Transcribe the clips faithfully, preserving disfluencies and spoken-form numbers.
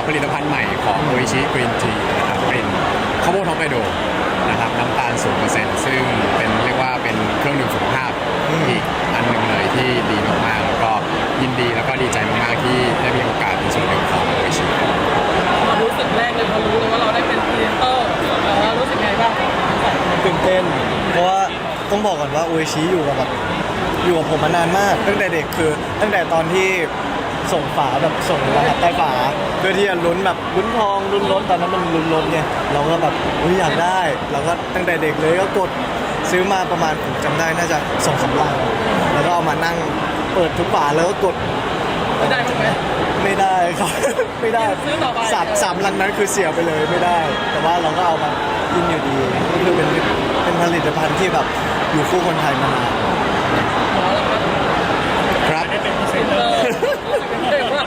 ผลิตภัณฑ์ใหม่ของโออิชิกรีนทีนะครับเป็นข้าวโพดฮอกไกโดนะครับน้ำตาล ศูนย์เปอร์เซ็นต์ ซึ่งเป็นเรียกว่าเป็นเครื่องดื่มสุขภาพอีกอันหนึ่งเลยที่ดีมากๆแล้วก็ยินดีแล้วก็ดีใจมากๆที่ได้มีโอกาสเป็นส่วนหนึ่งของโออิชิความรู้สึกแรกเลยพอรู้เลยว่าเราได้เป็นพรีเซนเตอร์เออรู้สึกไงบ้างตื่นเต้นเพราะว่าต้องบอกก่อนว่าโออิชิอยู่กับแบบอยู่กับผมมานานมากตั้งแต่เด็กคือตั้งแต่ตอนที่ส่งฝาแบบส่งรหัสใต้ฝาเพื่อที่จะลุ้นแบบลุ้นทองลุ้นรถตอนนั้นมันลุ้นรถไงเราก็แบบอุ้ยอยากได้เราก็ตั้งแต่เด็กเลยก็กดซื้อมาประมาณผมจำได้น่าจะสองสามลังแล้วก็เอามานั่งเปิดทุกฝาแล้วก็กดไม่ได้บ้างไหมไม่ได้ครับ ไม่ได้ซื้อต่อไปสามสามลังนั้นคือเสียไปเลยไม่ได้ แต่ว่าเราก็เอามากินอยู่ดีก็คือเป็นเป็นผลิตภัณฑ์ที่แบบอยู่คู่คนไทยมานานหมอแล้วครับครับได้เป็นพรีเซนเตอร์รู้สึกยังไงบ้าง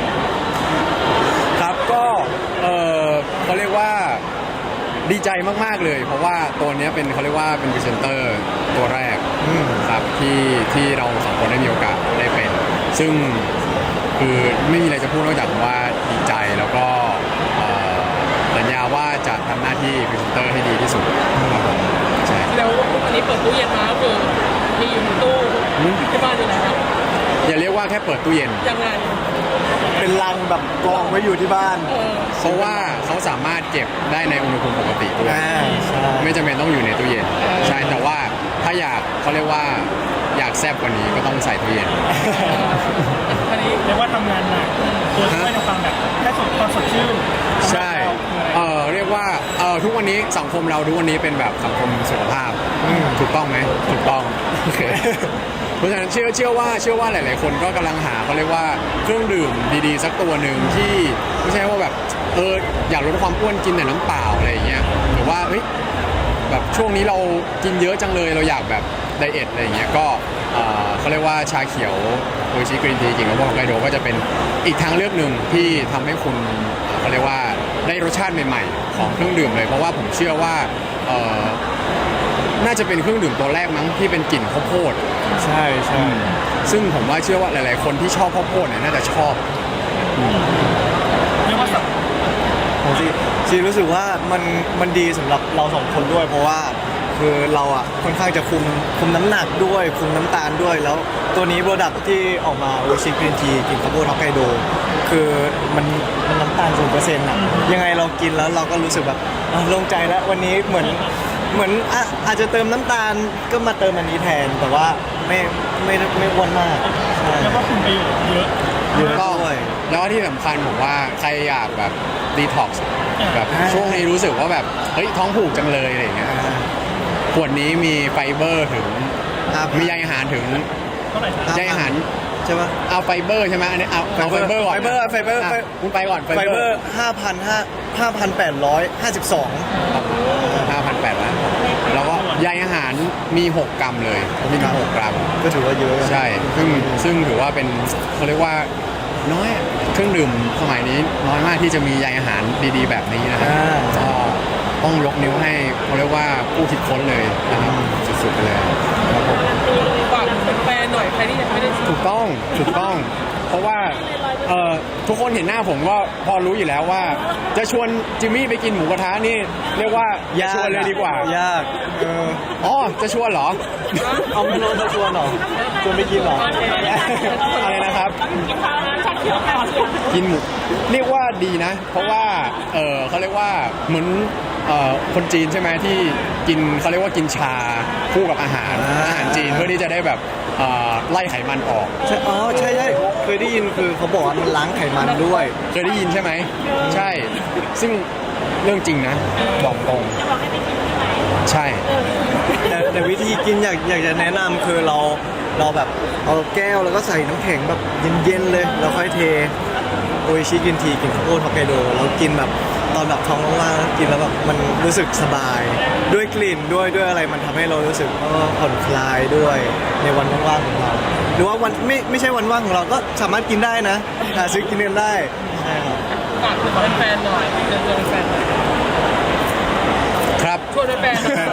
ครับก็เออเขาเรียกว่าดีใจมากๆเลย เพราะว่าตัวนี้เป็นเขาเรียกว่าเป็นพรีเซนเตอร์ตัวแรกครับที่ที่เราสองคนได้มีโอกาสได้เป็น ซึ่งคือไม่มีอะไรจะพูดนอกจากว่าดีใจแล้วก็เอ่อสัญญาว่าจะทำหน้าที่พรีเซนเตอร์ให้ดีที่สุดครับผมใช่แล้วอันนี้เปิดตู้เย็นมาก็คือมีอยู่ในตู้ที่บ้านอยู่ไหนครับอย่าเรียกว่าแค่เปิดตู้เย็นยังไงเป็นลังแบบกองไว้อยู่ที่บ้านเออเพราะว่าเขาสามารถเก็บได้ในอุณหภูมิปกติด้วยอ่าใช่ไม่จำเป็นต้องอยู่ในตู้เย็นใช่แต่ว่าถ้าอยากเขาเรียกว่าอยากแซ่บกว่านี้ก็ต้องใส่ตู้เย็นอันนี้เรียกว่าทำงานหนักตัวช่วยในความแบบแค่สดความสดชื่นใช่เออเรียกว่าเออทุกวันนี้สังคมเราทุกวันนี้เป็นแบบสังคมสุขภาพถูกต้องไหมถูกต้องโอเคเพราะฉะนั้นเชื่อเชื่อว่าเชื่อว่าหลาย ๆ คนก็กำลังหาเขาเรียกว่าเครื่องดื่มดีๆสักตัวหนึ่งที่ไม่ใช่ว่าแบบเอออยากลดความอ้วนกินแต่น้ำเปล่าอะไรอย่างเงี้ยหรือว่าเฮ้ยแบบช่วงนี้เรากินเยอะจังเลยเราอยากแบบไดเอทอะไรอย่างเงี้ยก็เอ่อเขาเรียกว่าชาเขียวโออิชิกรีนทีจริงๆแล้วพวกฮอกไกโดก็จะเป็นอีกทางเลือกหนึ่งที่ทำให้คุณเขาเรียกว่าได้รสชาติใหม่ๆของเครื่องดื่มเลยเพราะว่าผมเชื่อว่าเอ่อน่าจะเป็นเครื่องดื่มตัวแรกมั้งที่เป็นกลิ่นข้าวโพดใช่ใช่ซึ่งผมว่าเชื่อว่าหลาย ๆ คนที่ชอบข้าวโพดเนี่ยน่าจะชอบเรียกว่าสับผมซีซีรู้สึกว่ามันมันดีสำหรับเราสองคนด้วย เพราะว่าคือเราอ่ะค่อนข้างจะคุมคุมน้ำหนักด้วยคุมน้ำตาลด้วยแล้วตัวนี้โปรดักที่ออกมาโอชิกรีนทีกินข้าวโพดฮอกไกโดคือมันมันน้ำตาลศูนย์เปอร์เซ็นต์อ่ะยังไงเรากินแล้วเราก็รู้สึกแบบอ่ะโล่งใจแล้ววันนี้เหมือนเหมือนอ่ะอาจจะเติมน้ำตาลก็มาเติมอันนี้แทน แต่ว่าไม่ไม่ไม่อ้วนมากใช่เรียกว่าคุณประโยชน์เยอะเยอะก็ด้วยแล้วก็ที่สำคัญผมว่าใครอยากแบบดีท็อกซ์แบบอ่าช่วงนี้รู้สึกว่าแบบเฮ้ยท้องผูกจังเลยอะไรอย่างเงี้ยขวดนี้มีไฟเบอร์ถึงอ่ะมีใยอาหารถึงเท่าไหร่ครับใยอาหารใช่ปะเอาไฟเบอร์ใช่ไหมอันนี้เอาเอาไฟเบอร์ก่อนไฟเบอร์ไฟเบอร์ะไฟคุณไปก่อนไฟเบอร์ห้าพันห้าห้าพันแปดร้อยห้าสิบสองห้าพันแปดร้อยแล้วก็ใยอาหารมีหกกรัมเลยมีถึงหกกรัมก็ถือว่าเยอะใช่ ซึ่งซึ่งถือว่าเป็นเขาเรียกว่าน้อยเครื่องดื่มสมัยนี้น้อยมากที่จะมีใยอาหารดีๆ แบบนี้นะครับอ่าก็ต้องยกนิ้วให้เขาเรียกว่าผู้คิดค้นเลยนะครับสุดๆไปเลยครับผมฝากแฟนๆหน่อยใครที่ยังไม่ได้ซื้อถูกต้องถูกต้อง เพราะว่าเอ่อทุกคนเห็นหน้าผมก็พอรู้อยู่แล้วว่า จะชวนจิมมี่ไปกินหมูกระทะนี่เรียกว่าอย่าชวนเลยดีกว่ายากเอออ๋อจะชวนเหรอเอาไม่รู้จะชวนเหรอชวนไปกินเหรออะไรนะครับ กินหมูเรียกว่าดีนะ เพราะว่าเออเขาเรียกว่าเหมือนเอ่อคนจีนใช่ไหมที่กินเขาเรียกว่ากินชาคู่กับอาหารอาหารจีนเพื่อที่จะได้แบบเอ่อไล่ไขมันออกใช่อ๋อใช่ใช่เคยได้ยินคือเขาบอกว่ามันล้างไขมันด้วยเคยได้ยินใช่ไหมใช่ ซึ่งเรื่องจริงนะบอกตรงใช่แต่แต่วิธีกินอยากอยากจะแนะนำคือเราเราแบบเอาแก้วแล้วก็ใส่น้ำแข็งแบบเย็นๆเลยแล้วค่อยเทโออิชิกินทีกินข้าวโพดฮอกไกโดแล้วกินแบบตอนแบบท้องว่างๆกินแล้วแบบมันรู้สึกสบาย ด้วยกลิ่นด้วยด้วยอะไรมันทำให้เรารู้สึกเออผ่อนคลายด้วยในวันว่างๆของเรา หรือว่าวันไม่ไม่ใช่วันว่างของเราก็สามารถกินได้นะหาซื้อกินกันได้ใช่ครับฝากถึงแฟนๆหน่อยเชิญชวนแฟนๆหน่อยครับชวนแฟนๆหน่อย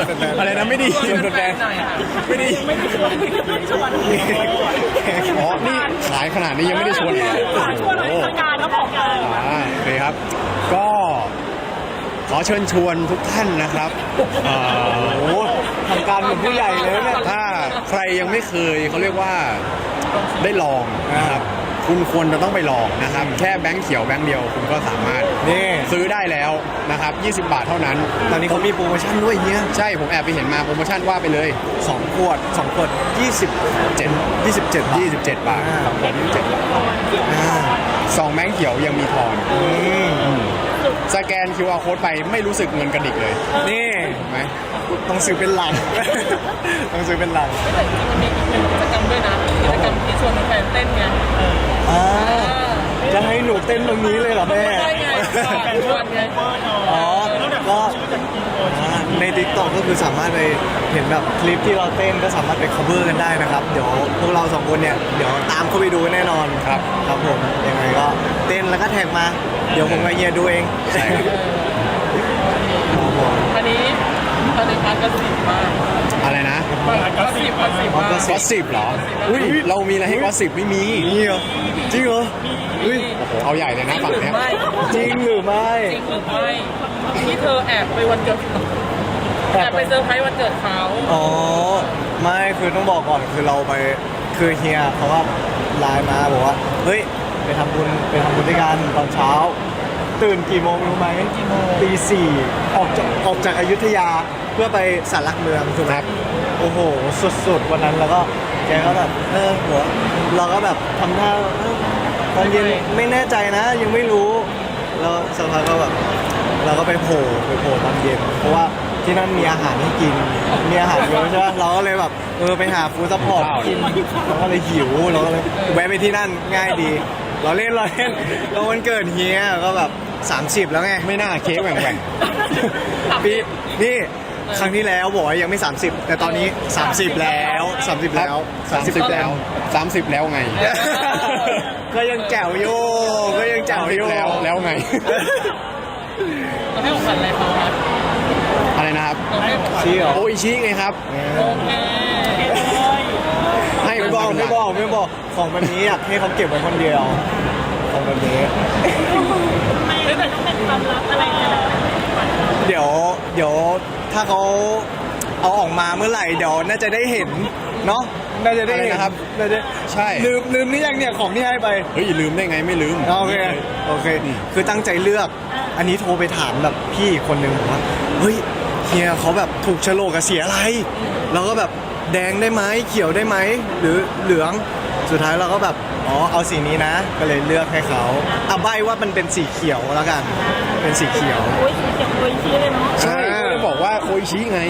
อะไรนะไม่ดีชวนแฟนๆหน่อยค่ะไม่ดีไม่ได้ชวนไม่ได้ชวนอ๋อนี่ขายขนาดนี้ยังไม่ได้ชวนอีกเหรอชวนหน่อยโอ้โหทางการแล้วบอกกันอ่าโอเคครับ ก็ขอเชิญชวนทุกท่านนะครับเอ่อโอ้โหทำการเหมือนผู้ใหญ่เลยนะเนี่ยถ้าใครยังไม่เคยเขาเรียกว่าได้ลองนะครับ คุณควรจะต้องไปลองนะครับ แค่แบงค์เขียวแบงค์เดียวคุณก็สามารถนี่ซื้อได้แล้วนะครับยี่สิบบาทเท่านั้นตอนนี้เขามีโปรโมชั่นด้วยเฮียใช่ผมแอบไปเห็นมาโปรโมชั่นว่าไปเลยสองขวดสองขวดยี่สิบเจ็ดยี่สิบเจ็ดบาทยี่สิบเจ็ดบาทครับผมยี่สิบเจ็ดบาทอ่าสองแบงค์เขียวยังมีทอนอืมสแกน คิว อาร์ Code ไปไม่รู้สึกเงินกระดิกเลยนี่ถูกไหมต้องซื้อเป็นหลัง ต้องซื้อเป็นหลังแต่จริงๆมันมีอีกหนึ่งกิจกรรมด้วยนะกิจกรรมที่ชวนแฟนๆเต้นไงอ่าจะให้หนูเต้นตรงนี้เลยเหรอแม่ได้ไงแฟนชวนไงอ๋อ ก็อ่าใน ติ๊กต็อก ก็คือสามารถไปเห็นแบบคลิปที่เราเต้นก็สามารถไป cover กันได้นะครับ เดี๋ยวพวกเราสองคนเนี่ย เดี๋ยวตามเข้าไปดูแน่นอนครับครับผม ยังไงก็เต้นแล้วก็แท็กมา เดี๋ยวผมกับเฮียดูเองใช่ครับครับผมอันนี้ตอนนี้พันก็สิบมากอะไรนะก็สิบก็สิบมากก็สิบเหรอ อุ้ยเรามีอะไรให้ก็สิบไม่มีนี่เหรอ จริงเหรออุ้ยโอ้โห เอาใหญ่เลยนะจริงฝั่งหรือเนี้ยไม่จริงหรือไม่จริงหรือไม่ที่เธอแอบไปวันเกิดแอบไปเซอร์ไพรส์วันเกิดเขาอ๋อ ไม่คือต้องบอกก่อนคือเราไปคือเฮียเขาว่าไลน์มาบอกว่า เฮ้ย ไปทำบุญไปทำบุญด้วยกันตอนเช้า ตื่นกี่โมงรู้ไหมตีสี่ออกจากออกจากอยุธยาเพื่อไปสารหลักเมืองถูกไหมครับโอ้โห สุดๆ วันนั้นแล้วก็แกก็แบบ เออหัวเราก็แบบทำท่าเออตอนเย็นไม่แน่ใจนะ ยังไม่รู้ แล้วสักพักก็แบบเราก็ไปโผล่ไปโผล่ตอนเย็น เพราะว่าที่นั่นมีอาหารให้กิน มีอาหารเยอะใช่ไหมเราก็เลยแบบเออไปหาฟู้ดซัพพอร์ตกินเราก็เลยหิวเราก็เลยแวะไปที่นั่นง่ายดี เราเล่นเราเล่นแล้ววันเกิดเฮียก็แบบสามสิบแล้วไงไม่น่าเค้กแหว่งแหว่งปีนี่ครั้งที่แล้วบอกว่ายังไม่ สามสิบ แต่ตอนนี้ สามสิบ แล้ว สามสิบ แล้วสามสิบแล้วสามสิบแล้วไงก็ยังแจ๋วอยู่ก็ยังแจ๋วอยู่แล้วแล้วไงเราให้ของขวัญอะไรเขาครับอะไรนะครับเราให้ของขวัญชี้เหรอโออิชิไงครับโอเคให้ไม่บอกไม่บอกไม่บอกของแบบนี้อยากให้เขาเก็บไว้คนเดียวของแบบนี้ไม่แต่ต้องเป็นความลับอะไรกันเดี๋ยวเดี๋ยวถ้าเขาเอาออกมาเมื่อไหร่เดี๋ยวน่าจะได้เห็นเนาะน่าจะได้เห็นอะไรนะครับน่าจะใช่ลืมลืมนี่ยังเนี่ยของที่ให้ไปเฮ้ยลืมได้ไงไม่ลืมโอเคโอเค คือตั้งใจเลือก อันนี้โทรไปถามแบบพี่อีกคนนึงบอกว่าเฮ้ยเฮียเขาแบบถูกโฉลกกับเสียอะไรเราก็แบบแดงได้ไหมเขียวได้ไหมหรือเหลืองสุดท้ายเราก็แบบอ๋อเอาสีนี้นะ ก็เลยเลือกให้เขาเอาใบว่ามันเป็นสีเขียวแล้วกัน เป็นสีเขียวโอ้ยเก็บโอ้ยชี้เลยเนาะใช่ก็เลยบอกว่าโออิชิไง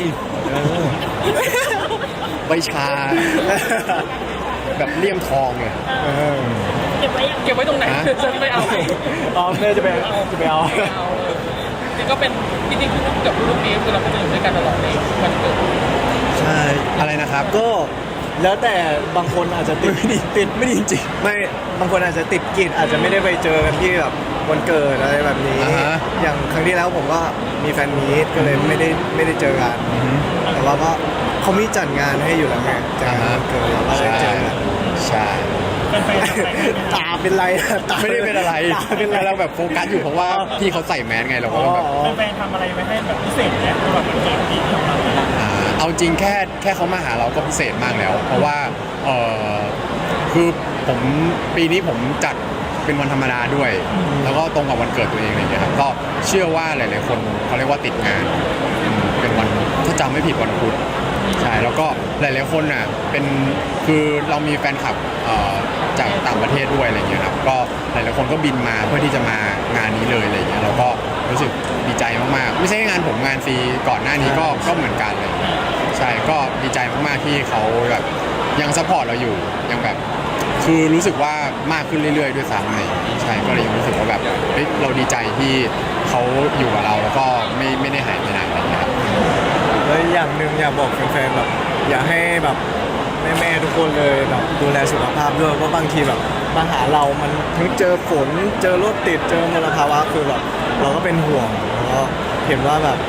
ใบชา แบบเลี่ยมทองเนี่ยเออเก็บไว้ยังเก็บไว้ตรงไหนฮะฉันไม่เอาอ๋อแม่จะไปจะไปเอาไม่เอาจริงก็เป็นจริงๆคือเกือบทุกปีคือเราก็จะอยู่ด้วยกันตลอดในวันเกิดใช่อะไรนะครับก็แล้วแต่บางคนอาจจะติดไม่ดีติดไม่ดีจริงไม่บางคนอาจจะติดกิจอาจจะไม่ได้ไปเจอกันที่แบบวันเกิดอะไรแบบนี้อ่าฮะอย่างครั้งที่แล้วผมก็มีแฟนมีตก็เลยไม่ได้ไม่ได้เจอกัน แต่ว่าก็เขามีจัดงานให้อยู่แล้วไงจัดงานวันเกิดเราก็ได้ใช่เจอกันใช่ตาเป็นไรอะตาไม่ได้เป็นอะไรตาเป็นไรเราแบบโฟกัสอยู่เพราะว่าพี่เขาใส่แมสไงเราก็อ๋อแบบแฟนๆทำอะไรไว้ให้แบบพิเศษเนี่ยสำหรับวันเกิดปีนี้ของเราอ่าเอาจริงแค่แค่เขามาหาเราก็พิเศษมากแล้ว เพราะว่าเออคือผมปีนี้ผมจัดเป็นวันธรรมดาด้วย แล้วก็ตรงกับวันเกิดตัวเองอะไรอย่างเงี้ยครับก็เชื่อว่าหลายๆคนเขาเรียกว่าติดงานอืมเป็นวันถ้าจำไม่ผิดวันพุธใช่แล้วก็หลายๆคนน่ะเป็นคือเรามีแฟนคลับเอ่อจากต่างประเทศด้วยอะไรอย่างเงี้ยครับก็หลายๆคนก็บินมาเพื่อที่จะมางานนี้เลยอะไรอย่างเงี้ยเราก็รู้สึกดีใจมากๆไม่ใช่แค่งานผมงานฟรีก่อนหน้านี้ก็ก็เหมือนกันเลย ใช่ก็ดีใจมากๆที่เขาแบบยังซัพพอร์ตเราอยู่ยังแบบคือรู้สึกว่ามากขึ้นเรื่อยๆด้วยซ้ำเลยใช่ก็เลยยังรู้สึกว่าแบบเฮ้ยเราดีใจที่เขาอยู่กับเราแล้วก็ไม่ไม่ได้หายไปไหนอะไรอย่างเงี้ยครับแล้วอย่างหนึ่งอยากบอกแฟนๆแบบอยากให้แบบแม่ๆทุกคนเลยแบบดูแลสุขภาพด้วยเพราะบางทีแบบมาหาเรามันทั้งเจอฝนเจอรถติดเจอมลภาวะคือแบบเราก็เป็นห่วงแล้วก็เห็นว่าแบบ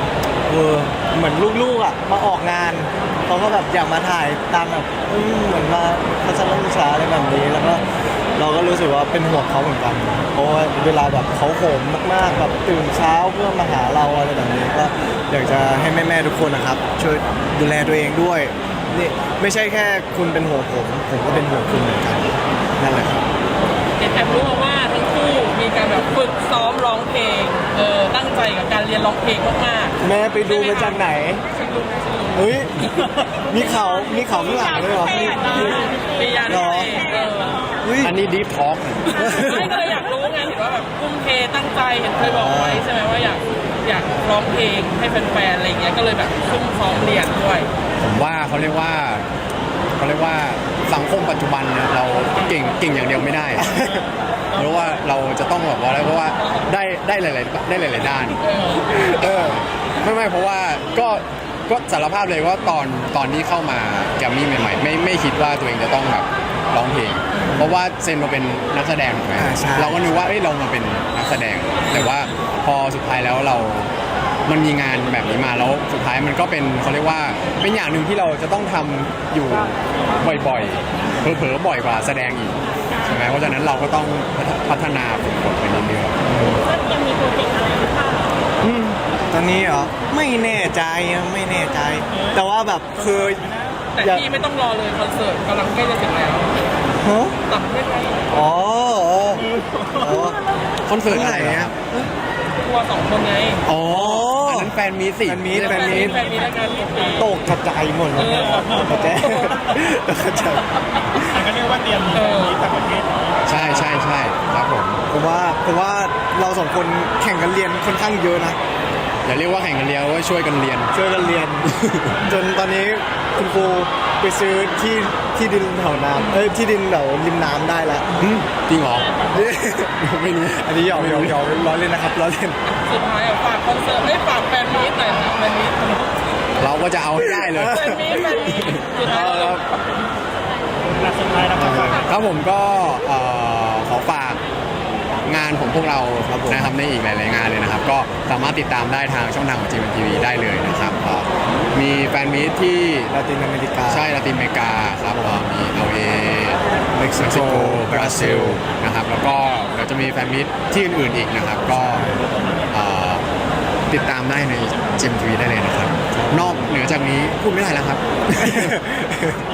เออเหมือนลูกๆอ่ะมาออกงานเขาก็แบบอยากมาถ่ายตามแบบอืมเหมือนมาทัศนศึกษาอะไรแบบนี้แล้วก็เราก็รู้สึกว่าเป็นห่วงเขาเหมือนกันเพราะว่าเวลาแบบเขาโหมมากๆแบบตื่นเช้าเพื่อมาหาเราอะไรแบบนี้ก็อยากจะให้แม่ๆทุกคนนะครับช่วยดูแลตัวเองด้วยนี่ไม่ใช่แค่คุณเป็นห่วงผมผมก็เป็นห่วงคุณเหมือนกันนั่นแหละครับเห็นแอบรู้มาว่าทั้งคู่มีการแบบฝึกซ้อมร้องเพลงเออตั้งใจกับการเรียนร้องเพลงมากๆแม่ไปดูมาจากไหน เฮ้ย มีเขามีเขาข้างหลังด้วยเหรอปียาหรอเออเฮ้ยอันนี้ดีฟทอล์กไม่ก็เลยอยากรู้ไงเห็นว่าแบบทุ่มเทตั้งใจเห็นเคยบอกไว้ใช่ไหมว่าอยากอยากร้องเพลงให้แฟนๆอะไรอย่างเงี้ยก็เลยแบบซุ่มซ้อมเรียนด้วยผมว่าเขาเรียกว่าเขาเรียกว่าสังคมปัจจุบันเนี่ยเราเก่งเก่งอย่างเดียวไม่ได้ เพราะว่าเราจะต้องแบบว่าอะไรเพราะว่าได้ได้หลายๆได้หลาย ๆ ด้าน เออไม่ไม่เพราะว่าก็ก็สารภาพเลยว่าตอนตอนที่เข้ามาแกรมมี่ใหม่ๆไม่ไม่คิดว่าตัวเองจะต้องแบบร้องเพลง เพราะว่าเซนมาเป็นนักแสดงถูกไหมอ่าใช่เราก็นึกว่าเอ้ยเรามาเป็นนักแสดง แต่ว่าพอสุดท้ายแล้วเรา มันมีงานแบบนี้มาแล้วสุดท้ายมันก็เป็นเขาเรียกว่าเป็นอย่างหนึ่งที่เราจะต้องทำอยู่บ่อยๆเผลอๆบ่อยกว่าแสดงอีกใช่ไหมเพราะฉะนั้นเราก็ต้องพัฒนาฝึกฝนไปเรื่อยยังมีโปรเจกต์อะไรหรือเปล่าตอนนี้เหรอ ไม่แน่ใจอะไม่แน่ใจ แต่ว่าแบบคือแต่อยากที่ไม่ต้องรอเลยคอนเสิร์ตกำลังใกล้จะถึงแล้วฮะต่างประเทศไทยอ๋ออ๋ออ๋อๆคอนเสิร์ตอะไรเมื่อไหร่คอะรับทัวร์สองคนไงอ๋ออันนั้นแฟนมีตสิแฟนมีตแฟนมีแฟนมีแล้วกันมีตกกระจายหมดเลยกระจายตกกระจายมันก็เรียกว่าเตรียมมีต่างประเทศเนาะใช่ใช่ใช่ครับผมผมว่าผมว่าเราสองคนแข่งกันเรียนค่อนข้างเยอะนะอย่าเรียกว่าแข่งกันเรียนว่าช่วยกันเรียนช่วยกันเรียน จนตอนนี้คุณครูไปซื้อที่ที่ดินแถวน้ำเอ้ยที่ดินแถวริมน้ำได้แล้วหึจริงเหรอ ไม่รู้อันนี้หยอกหยอกหยอกล้อเล่นนะครับล้อเล่นสุดท้ายอ่ะฝากคอนเสิร์ตไม่ฝากแฟนมีตหน่อยนะแฟนมีตเราก็จะเอาให้ได้เลยแฟนมีตแฟนมีตสุดท้ายเอาครับหลักสุดท้ายนะครับครับผมก็เอ่อขอฝากงานของพวกเราครับผมนะครับในอีกหลายๆงานเลยนะครับ ก็สามารถติดตามได้ทางช่องทางของ จี เอ็ม ที วี ได้เลยนะครับก็มีแฟนมีตที่ลาตินอเมริกาใช่ลาตินอเมริกาครับก็มี แอล เอเม็กซิเม็กโกซิโกบราซิลนะครับแล้วก็เดี๋ยวจะมีแฟนมีตที่อื่นๆอีกนะครับ ก็เอ่อติดตามได้ใน จี เอ็ม ที วี ได้เลยนะครับ นอกเหนือจากนี้พูดไม่ได้แล้วครับ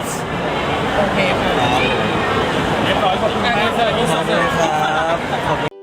โอเคค่ะเรียบร้อยขอบคุณงานมากคอนเสิร์ตที่ขสุอบดคุณครับขอบคุณ